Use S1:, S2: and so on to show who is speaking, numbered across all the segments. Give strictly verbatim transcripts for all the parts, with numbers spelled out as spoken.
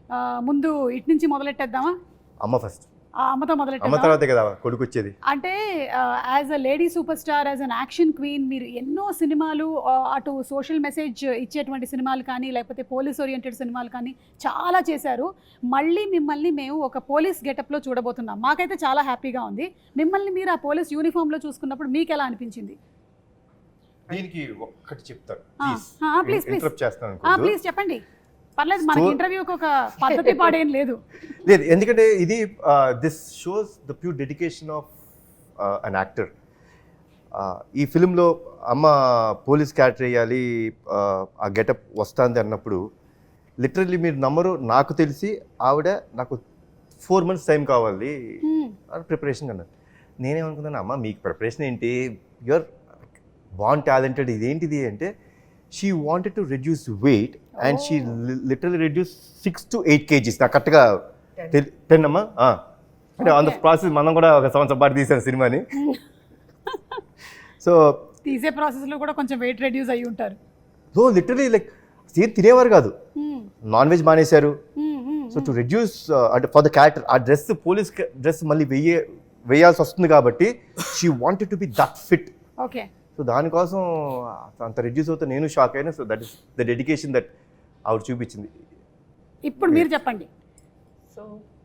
S1: ముందు ఇటు నుంచి మొదలెట్టేద్దామా?
S2: అమ్మ ఫస్ట్.
S1: అమ్మతో
S2: అమ్మ
S1: మొదలెట్టేద్దామా?
S2: తర్వాతే కదా కొడుకు వచ్చేది.
S1: అంటే as a lady super star, as an action queen, మీరు ఎన్నో సినిమాలు అటు సోషల్ మెసేజ్ ఇచ్చేటువంటి సినిమాలు కానీ లేకపోతే పోలీస్ ఓరియంటెడ్ సినిమాలు కానీ చాలా చేశారు. మళ్ళీ మిమ్మల్ని మేము ఒక పోలీస్ గెటప్లో చూడబోతున్నాం. మాకైతే చాలా హ్యాపీగా ఉంది. మిమ్మల్ని మీరు ఆ పోలీస్ యూనిఫామ్లో చూసుకున్నప్పుడు మీకు ఎలా అనిపించింది?
S2: దీనికి ఒక్కటి చెప్తాను
S1: ప్లీజ్ ప్లీజ్
S2: చేస్తాను.
S1: ప్లీజ్ చెప్పండి, పర్లేదు. మనకి ఇంటర్వ్యూకి ఒక పద్ధతి పాడేం లేదు.
S2: లేదు, ఎందుకంటే ఇది this shows the pure dedication of an actor. ఈ ఫిలింలో అమ్మ పోలీస్ క్యారెక్టర్ వేయాలి, ఆ గెటప్ వస్తుంది అన్నప్పుడు లిటరల్లీ మీరు నమ్మరు, నాకు తెలిసి ఆవిడ నాకు ఫోర్ మంత్స్ టైం కావాలి ప్రిపరేషన్ అన్నారు. నేనేమనుకున్నాను, అమ్మ మీకు ప్రిపరేషన్ ఏంటి, యువర్ బాన్ టాలెంటెడ్, ఇదేంటిది అంటే she wanted to reduce weight and she literally reduce six to eight kgs. నాకు కరెక్ట్గా టెన్ అమ్మా. అంటే ఆన్ ద ప్రాసెస్ మనం కూడా ఒక సంవత్సరం పాటు తీసాను సినిమాని. సో
S1: తీసే ప్రాసెస్లో కూడా కొంచెం వెయిట్ రెడ్యూస్ అయ్యి ఉంటారు.
S2: సో లిటరలీ లైక్ సేమ్ తినేవారు కాదు, నాన్ వెజ్ మానేశారు. సో టు రెడ్యూస్ అంటే ఫర్ ద క్యారెక్టర్ ఆ డ్రెస్, పోలీస్ డ్రెస్ మళ్ళీ వెయ్యే వేయాల్సి వస్తుంది కాబట్టి she wanted to be that fit.
S1: Okay.
S2: So దానికోసం అంత రెడ్యూస్ అవుతే నేను షాక్ అయినా. So that is the dedication that ఆవిడ చూపించింది.
S1: ఇప్పుడు మీరు చెప్పండి.
S3: సో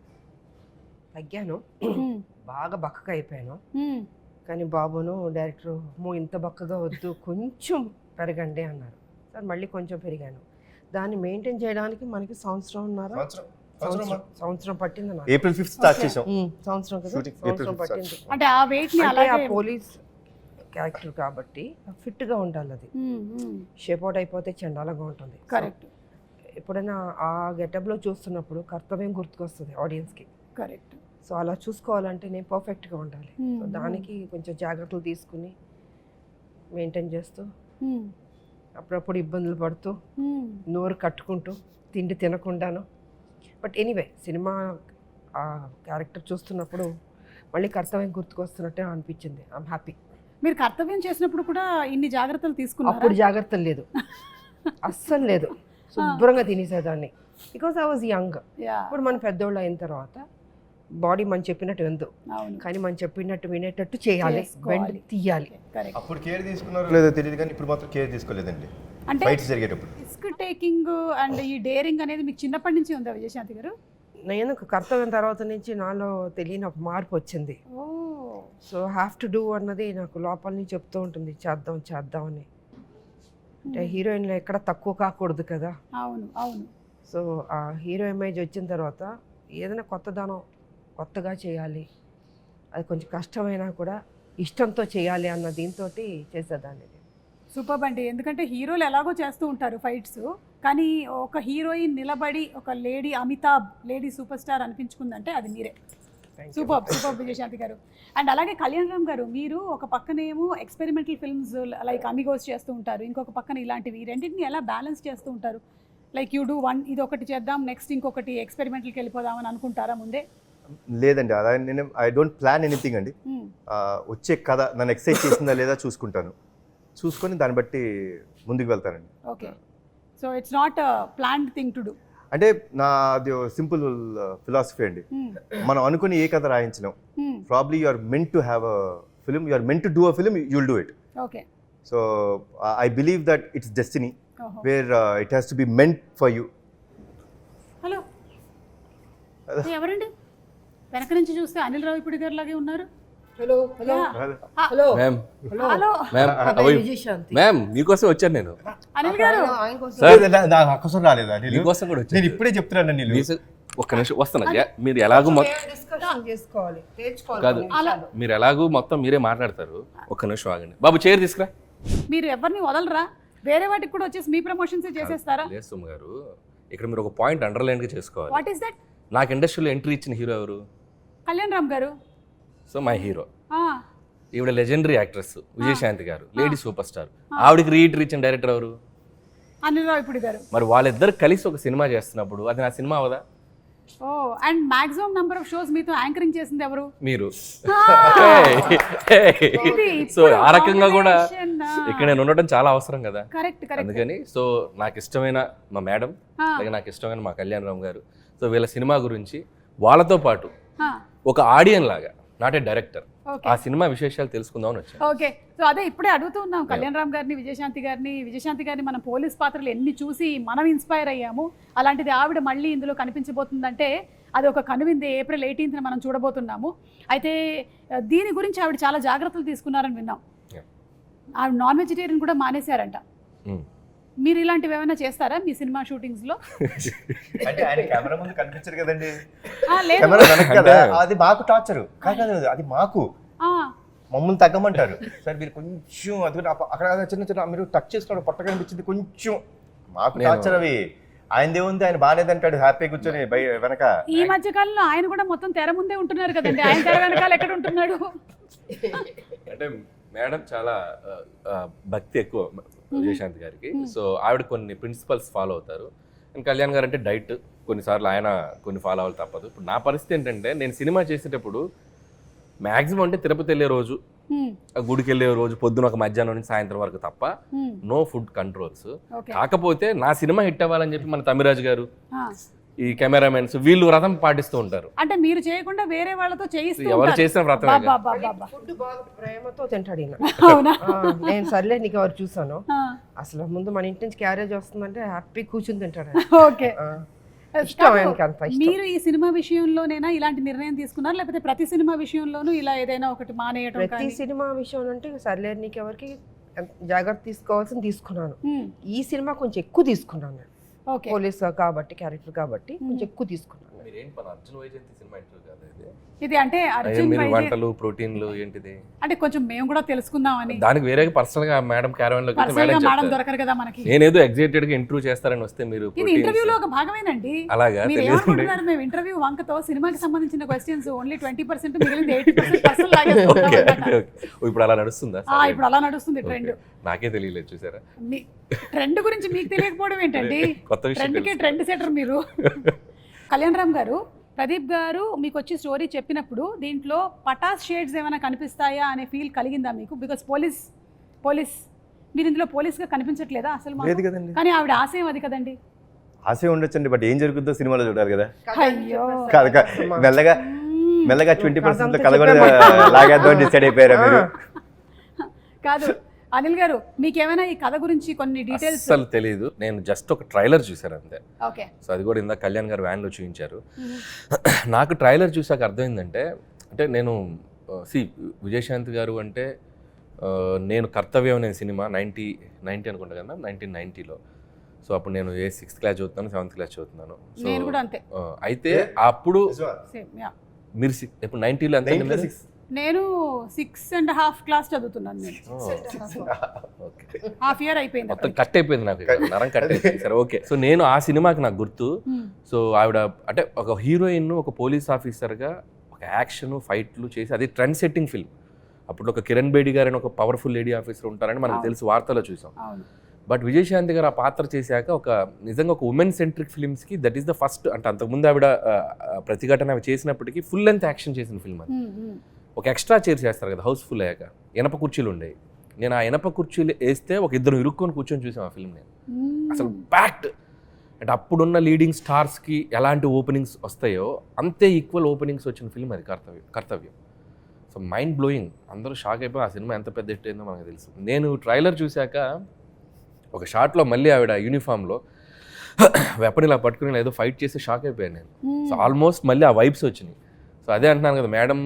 S3: తగ్గాను, బాగా బక్కగా అయిపోయాను. కానీ బాబును డైరెక్టర్ మో ఇంత బక్కగా వద్దు, కొంచెం పెరగండి అన్నారు. సార్ మళ్ళీ కొంచెం పెరిగాను. దాన్ని మెయింటైన్ చేయడానికి మనకి సంవత్సరం ఉన్నారా సంవత్సరం పట్టింది నాకు.
S2: ఏప్రిల్ ఫిఫ్త్ స్టార్ట్ చేసాం.
S3: సంవత్సరం కదా, సంవత్సరం పట్టింది.
S1: అంటే ఆ వెయిట్ ని
S3: అలాగే ఆ పోలీస్ క్యారెక్టర్ కాబట్టి ఫిట్గా ఉండాలి. అది షేప్ అవుట్ అయిపోతే చండాలంగా ఉంటుంది.
S1: కరెక్ట్.
S3: ఎప్పుడైనా ఆ గెటప్లో చూస్తున్నప్పుడు కర్తవ్యం గుర్తుకొస్తుంది ఆడియన్స్కి.
S1: కరెక్ట్.
S3: సో అలా చూసుకోవాలంటే నేను పర్ఫెక్ట్గా ఉండాలి. సో దానికి కొంచెం జాగ్రత్తలు తీసుకుని మెయింటైన్ చేస్తూ అప్పుడప్పుడు ఇబ్బందులు పడుతూ నోరు కట్టుకుంటూ తిండి తినకుండాను. బట్ ఎనీవే సినిమా ఆ క్యారెక్టర్ చూస్తున్నప్పుడు మళ్ళీ కర్తవ్యం గుర్తుకొస్తున్నట్టే అనిపించింది. I'm happy.
S1: మీరు కర్తవ్యం చేసినప్పుడు కూడా ఇన్ని జాగ్రత్తలు తీసుకున్నారు?
S3: అప్పుడు జాగ్రత్తలు లేదు, అస్సలు లేదు. శుభ్రంగా తినేసేదాన్ని బికాస్ ఐ వాజ్ యంగ్. ఇప్పుడు మన పెద్దోళ్ళు అయిన తర్వాత బాడీ మనం చెప్పినట్టు విందు, కానీ మనం చెప్పినట్టు వినేటట్టు చేయాలి, వెంట తీయాలి.
S2: అప్పుడు కేర్ తీసుకున్నారో లేదో తెలియదు, కానీ ఇప్పుడు మాత్రం కేర్ తీసుకోలేదండి.
S1: అంటే
S2: ఫైట్స్ జరిగేటప్పుడు
S1: రిస్క్ టేకింగ్ అండ్ ఈ డేరింగ్ అనేది మీకు చిన్నప్పటి నుంచి ఉందా విజయశాంతి గారు?
S3: నేను కర్తవ్యం తర్వాత నుంచి నాలో తెలియని ఒక మార్పు వచ్చింది. సో హ్యావ్ టు డూ అన్నది నాకు లోపల నుంచి చెప్తూ ఉంటుంది, చేద్దాం చేద్దాం అని. అంటే హీరోయిన్లో ఎక్కడ తక్కువ కాకూడదు కదా.
S1: అవును అవును.
S3: సో ఆ హీరో ఇమేజ్ వచ్చిన తర్వాత ఏదైనా కొత్తదనం కొత్తగా చేయాలి, అది కొంచెం కష్టమైనా కూడా ఇష్టంతో చేయాలి అన్న దీంతో చేసేదాన్ని.
S1: సూపర్ అండి. ఎందుకంటే హీరోలు ఎలాగో చేస్తూ ఉంటారు ఫైట్స్, కానీ ఒక హీరోయిన్ నిలబడి ఒక lady Amitabh lady super star అనిపించుకుందంటే అది మీరే. సూపర్ సూపర్ విజయశాంతి గారు. అండ్ అలాగే కళ్యాణ్ రామ్ గారు, మీరు ఒక పక్కనేమో ఎక్స్పెరిమెంటల్ ఫిల్మ్స్ లైక్ అమిగోస్ చేస్తూ ఉంటారు, ఇంకొక పక్కన ఇలాంటివి, రెండింటిని ఎలా బ్యాలెన్స్ చేస్తూ ఉంటారు? లైక్ యూ డూ వన్, ఇది ఒకటి చేద్దాం, నెక్స్ట్ ఇంకొకటి ఎక్స్పెరిమెంటల్కి వెళ్ళిపోదామని అనుకుంటారా ముందే?
S2: లేదండి, అలా నేను ఐ డోంట్ ప్లాన్ ఎనీథింగ్ అండి. వచ్చే కథ నన్ను ఎక్సైట్ చేసిందా లేదా చూసుకుంటాను, చూసుకొని దాన్ని బట్టి ముందుకు వెళ్తానండి.
S1: Okay. So it's not planned thing to do.
S2: అంటే నాది సింపుల్ ఫిలాసఫీ అండి. మనం అనుకుని ఏ కథ రాయించినాం, probably you are meant to have a film, you are meant to do a film, you will do it.
S1: Okay.
S2: So I believe that it's destiny where it has to be meant for you.
S1: Hello ఎవరండి? వెనక నుంచి చూస్తే అనిల్ రావిపూడి గారు లాగే ఉన్నారు.
S3: Hello hello hello
S4: ma'am.
S1: Hello
S3: Vijayashanti
S4: ma'am, మీకోసం వచ్చాను నేను.
S1: అనిల్ గారు
S2: అవసరం రాలేదా?
S4: మీకోసం కూడా వచ్చాను.
S2: నేను ఇప్పుడే చెప్తున్నాను అనిల్.
S4: ఒక్క నిమిషం వస్తాను. మీరు ఎలాగూ
S3: డిస్కషన్ చేసుకోవాలి,
S4: కాదు, మీరు ఎలాగూ మొత్తం మీరే మాట్లాడతారు. ఒక్క నిమిషం ఆగండి బాబు, చైర్ తీసుకురా.
S1: మీరు ఎవరిని వదలరా? వేరే వాటికి కూడా వచ్చేసి మీ ప్రమోషన్స్ చేసేస్తారా?
S4: లేదు సుమ గారు, ఇక్కడ మీరు ఒక పాయింట్ అండర్లైన్ గా చేసుకోవాలి.
S1: What is that?
S4: నాకు ఇండస్ట్రీలో ఎంట్రీ ఇచ్చిన హీరో ఎవరు?
S1: Kalyan Ram garu.
S4: So my hero. ఈవిడ legendary actress Vijayashanti garu, lady super star. ఆవిడకి రీఎంట్రీ ఇచ్చిన డైరెక్టర్ ఎవరు?
S1: అనిల్ రావిపూడి గారు.
S4: మరి వాళ్ళిద్దరు కలిసి ఒక సినిమా చేస్తున్నప్పుడు అది నా సినిమా అవదా?
S1: ఓ, and maximum number of shows మీతో యాంకరింగ్ చేసింది ఎవరు?
S4: మీరు. సో ఆ రకంగా కూడా ఇక్కడ నేను ఉండటం చాలా అవసరం కదా.
S1: Correct correct.
S4: అందుకని సో నాకు ఇష్టమైన మా మేడం, అలాగే నాకు ఇష్టమైన మా కళ్యాణ్ రామ్ గారు, సో వీళ్ళ సినిమా గురించి వాళ్ళతో పాటు ఒక ఆడియన్ లాగా నాట్ ఏ డైరెక్టర్ ఆ సినిమా విశేషాలు తెలుసుకుందామని వచ్చాను.
S1: ఓకే, సో అదే ఇప్పుడే అడుగుతూ ఉన్నాం కళ్యాణ్ రామ్ గారిని, విజయశాంతి గారిని. విజయశాంతి గారిని మనం పోలీస్ పాత్రలు ఎన్ని చూసి మనం ఇన్స్పైర్ అయ్యాము, అలాంటిది ఆవిడ మళ్ళీ ఇందులో కనిపించబోతుందంటే అది ఒక కనువింది. ఏప్రిల్ ఎయిటీన్త్న మనం చూడబోతున్నాము. అయితే దీని గురించి ఆవిడ చాలా జాగ్రత్తలు తీసుకున్నారని విన్నాం. ఆవిడ నాన్ వెజిటేరియన్ కూడా మానేశారంట. మీరు ఇలాంటివి ఏమైనా చేస్తారా మీ సినిమా షూటింగ్స్ లో?
S2: అంటే ఆయన కెమెరా ముందు కనిపించరు కదండి,
S1: ఆ, లేదు.
S2: కెమెరా వెనక కదా, అది మాకు టార్చర్ కాదు, అది మాకు
S1: ఆ,
S2: మమ్మల్ని తగ్గమంటారు. సార్ మీరు కొంచెం అది అక్కడ చిన్న చిన్న మీరు టచ్ చేసుకోవడం పొట్ట కనిపించింది కొంచెం, మాకు టార్చర్ అవి. ఆయనదే ఉంది, ఆయన బాగాలేదంటాడు హ్యాపీ కూర్చొని బయ వెనక.
S1: ఈ మధ్య కాలంలో ఆయన కూడా మొత్తం తెర ముందే ఉంటున్నారు కదండి, ఆయన తెర వెనకాల ఎక్కడ ఉంటున్నాడు?
S4: అంటే మేడం చాలా ఆ, ఆ, భక్తి ఎక్కువ విజయశాంతి గారికి. సో ఆవిడ కొన్ని ప్రిన్సిపల్స్ ఫాలో అవుతారు. అండ్ కళ్యాణ్ గారు అంటే డైట్, కొన్నిసార్లు ఆయన కొన్ని ఫాలో అవ్వాలి తప్పదు. ఇప్పుడు నా పరిస్థితి ఏంటంటే నేను సినిమా చేసేటప్పుడు మ్యాక్సిమం అంటే తిరుపతి వెళ్ళే రోజు, గుడికి వెళ్ళే రోజు పొద్దున ఒక మధ్యాహ్నం నుంచి సాయంత్రం వరకు తప్ప నో ఫుడ్ కంట్రోల్స్. కాకపోతే నా సినిమా హిట్ అవ్వాలని చెప్పి మన తమిరాజు గారు, ఈ కెమెరామెన్స్ వీళ్ళు వ్రతం పాటిస్తూ ఉంటారు.
S1: అంటే మీరు చేయకుండా వేరే వాళ్ళతో చేయిస్తూ
S4: ఎవరు చేసిన వ్రతం
S3: ఫుడ్ బాగా ప్రేమతో తింటాడు ఈయన.
S1: అవునా?
S3: ఆ, నేను సర్లే నీకు ఎవరు చూసాను, అసలు ముందు మన ఇంటి నుంచి క్యారేజ్ వస్తుందంటే హ్యాపీ కూర్చుని తింటాడు.
S1: ఓకే,
S3: ఆ, ఇష్టం ఆయనకి, అంత ఇష్టం.
S1: మీరు ఈ సినిమా విషయంలోనైనా ఇలాంటి నిర్ణయం తీసుకున్నారు, లేకపోతే ప్రతి సినిమా విషయంలోనూ ఇలా ఏదైనా ఒకటి మానేయడం?
S3: ప్రతి సినిమా విషయం అంటే సర్లే నీకు ఎవరికి జాగ్రత్త తీసుకోవాల్సింది తీసుకున్నాను. ఈ సినిమా కొంచెం ఎక్కువ తీసుకున్నాను నేను, పోలీస్ కాబట్టి క్యారెక్టర్ కాబట్టి కొంచెం ఎక్కువ తీసుకున్నాను.
S1: ఇది అంటే అర్జున్
S4: వంటలు ప్రోటీన్లు ఏంటిది
S1: అంటే కొంచెం మేము కూడా తెలుసుకుందామని.
S4: దానికి వేరే పర్సనల్ గా మేడం క్యారవన్ లో
S1: మేడం దొరకరు కదా మనకి.
S4: నేనేదో ఎగ్జైటెడ్ గా ఇంటర్వ్యూ చేస్తారని వస్తే మీరు
S1: ఇది ఇంటర్వ్యూలో ఒక భాగమేనండి.
S4: అలాగా
S1: మీరు ఏమనుకుంటున్నారు? మేము ఇంటర్వ్యూ వంకతో సినిమాకి సంబంధించిన క్వశ్చన్స్ ఓన్లీ ట్వంటీ పర్సెంట్ మిగిలింది ఎయిటీ పర్సెంట్ పర్సన్ లాగే.
S4: ఇప్పుడు అలా నడుస్తుందా?
S1: ఇప్పుడు అలా నడుస్తుంది ట్రెండ్.
S4: నాకే తెలియలేదు, చూసారా?
S1: ట్రెండ్ గురించి మీకు తెలియకపోవడం ఏంటండి?
S4: కొత్త
S1: ట్రెండ్ కి ట్రెండ్ సెటర్ మీరు. కళ్యాణ్ రామ్ గారు, ప్రదీప్ గారు మీకు వచ్చి స్టోరీ చెప్పినప్పుడు దీంట్లో పటాస్ షేడ్స్ ఏమైనా కనిపిస్తాయా అనే ఫీల్ కలిగిందా మీకు? బికాస్ పోలీస్ పోలీస్ మీరు ఇందులో పోలీస్గా కనిపించట్లేదా అసలు? కానీ ఆవిడ ఆశయం అది కదండి.
S2: ఆశయం ఉండొచ్చండి, బట్ ఏం జరుగుతుందో సినిమాలో చూడాలి కదా.
S1: అయ్యో,
S2: మెల్లగా మెల్లగా ట్వంటీ పర్సెంట్ కథ కూడా లాగేద్దాం డిసైడ్ అయిపోయారా మీరు?
S1: కాదు అనిల్ గారు, మీకేమైనా ఈ కథ గురించి కొన్ని డీటెయిల్స్?
S4: అసలు తెలియదు, నేను జస్ట్ ఒక ట్రైలర్ చూసాను అంతే.
S1: ఓకే,
S4: సో అది కూడా ఇందా కళ్యాణ్ గారు వ్యాన్లో చూపించారు. నాకు ట్రైలర్ చూసాక అర్థమైందంటే, అంటే నేను సి విజయశాంతి గారు అంటే నేను కర్తవ్యం అనే సినిమా నైంటీ నైంటీ అనుకుంటా కదా, నైన్టీన్ నైంటీలో. సో అప్పుడు నేను ఏ సిక్స్త్ క్లాస్ చదువుతున్నాను, సెవెంత్ క్లాస్ చదువుతున్నాను.
S1: నేను కూడా అంతే.
S4: అయితే అప్పుడు మీరు ఇప్పుడు నైంటీలో అంతే,
S1: నేను సిక్స్ అండ్ హాఫ్ క్లాస్ చదువుతున్నాను. నేను హాఫ్ ఇయర్ అయిపోయింది,
S4: మొత్తం కట్ అయిపోయింది నాకు, నరం కట్ అయిపోయింది. సరే ఓకే. సో నేను ఆ సినిమాకి నాకు గుర్తు, సో ఆవిడ అంటే ఒక హీరోయిన్ ఒక పోలీస్ ఆఫీసర్గా ఒక యాక్షన్ ఫైట్లు చేసి, అది ట్రెండ్ సెట్టింగ్ ఫిల్మ్. అప్పుడు ఒక కిరణ్ బేడి గారు అని ఒక పవర్ఫుల్ లేడీ ఆఫీసర్ ఉంటారని మనకు తెలుసు, వార్తలో చూసాం. బట్ విజయశాంతి గారు ఆ పాత్ర చేశాక ఒక నిజంగా ఒక ఉమెన్ సెంట్రిక్ ఫిల్మ్స్కి దట్ ఈస్ ద ఫస్ట్. అంటే అంతకుముందు ఆవిడ ప్రతిఘటన అవి చేసినప్పటికీ ఫుల్ లెంత్ యాక్షన్ చేసిన ఫిల్మ్ అది. ఒక ఎక్స్ట్రా చైర్ చేస్తారు కదా హౌస్ఫుల్ అయ్యాక, ఇనప కుర్చీలు ఉండేవి. నేను ఆ ఇనప కుర్చీలు వేస్తే ఒక ఇద్దరు ఇరుక్కొని కూర్చొని చూసాం ఆ ఫిల్మ్. నేను అసలు ప్యాక్ట్, అంటే అప్పుడున్న లీడింగ్ స్టార్స్కి ఎలాంటి ఓపెనింగ్స్ వస్తాయో అంతే ఈక్వల్ ఓపెనింగ్స్ వచ్చిన ఫిల్మ్ అది Kartavyam Kartavyam so mind blowing. అందరూ షాక్ అయిపోయి ఆ సినిమా ఎంత పెద్ద హిట్ అయిందో మనకు తెలుసు. నేను ట్రైలర్ చూశాక ఒక షాట్లో మళ్ళీ ఆవిడ యూనిఫామ్లో వెపన్ ఇలా పట్టుకుని ఏదో ఫైట్ చేసి షాక్ అయిపోయాను నేను. సో ఆల్మోస్ట్ మళ్ళీ ఆ వైబ్స్ వచ్చినాయి. సో అదే అంటున్నాను కదా, మేడం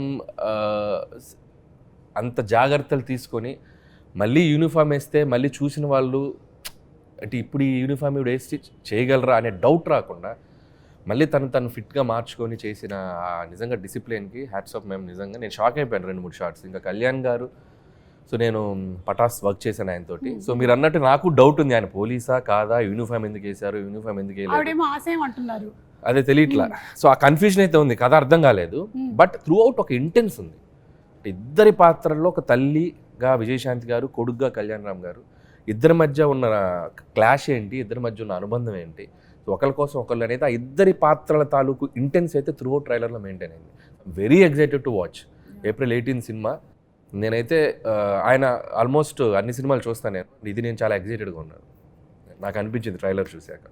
S4: అంత జాగ్రత్తలు తీసుకొని మళ్ళీ యూనిఫామ్ వేస్తే మళ్ళీ చూసిన వాళ్ళు అంటే ఇప్పుడు ఈ యూనిఫామ్ ఇవి వేసి చేయగలరా అనే డౌట్ రాకుండా మళ్ళీ తను తను ఫిట్గా మార్చుకొని చేసిన నిజంగా డిసిప్లిన్కి హ్యాట్స్ ఆఫ్. మేము నిజంగా నేను షాక్ అయిపోయాను రెండు మూడు షార్ట్స్. ఇంకా కళ్యాణ్ గారు, సో నేను పటాస్ వర్క్ చేశాను ఆయనతోటి. సో మీరు అన్నట్టు నాకు డౌట్ ఉంది, ఆయన పోలీసా కాదా, యూనిఫామ్ ఎందుకు వేశారు, యూనిఫామ్ ఎందుకు వేయలేదు అదే తెలియట్లా. సో ఆ కన్ఫ్యూజన్ అయితే ఉంది, కథ అర్థం కాలేదు. బట్ త్రూ అవుట్ ఒక ఇంటెన్స్ ఉంది. ఇద్దరి పాత్రల్లో ఒక తల్లిగా విజయశాంతి గారు, కొడుగ్గా కళ్యాణ్ రామ్ గారు, ఇద్దరి మధ్య ఉన్న క్లాష్ ఏంటి, ఇద్దరి మధ్య ఉన్న అనుబంధం ఏంటి, సో ఒకరి కోసం ఒకళ్ళు అనేది ఆ ఇద్దరి పాత్రల తాలూకు ఇంటెన్స్ అయితే త్రూ అవుట్ ట్రైలర్లో మెయింటైన్ అయింది. Very excited to watch April eighteen cinema. నేనైతే ఆయన ఆల్మోస్ట్ అన్ని సినిమాలు చూస్తాను నేను, ఇది నేను చాలా ఎక్సైటెడ్గా ఉన్నాను, నాకు అనిపించింది ట్రైలర్ చూశాక.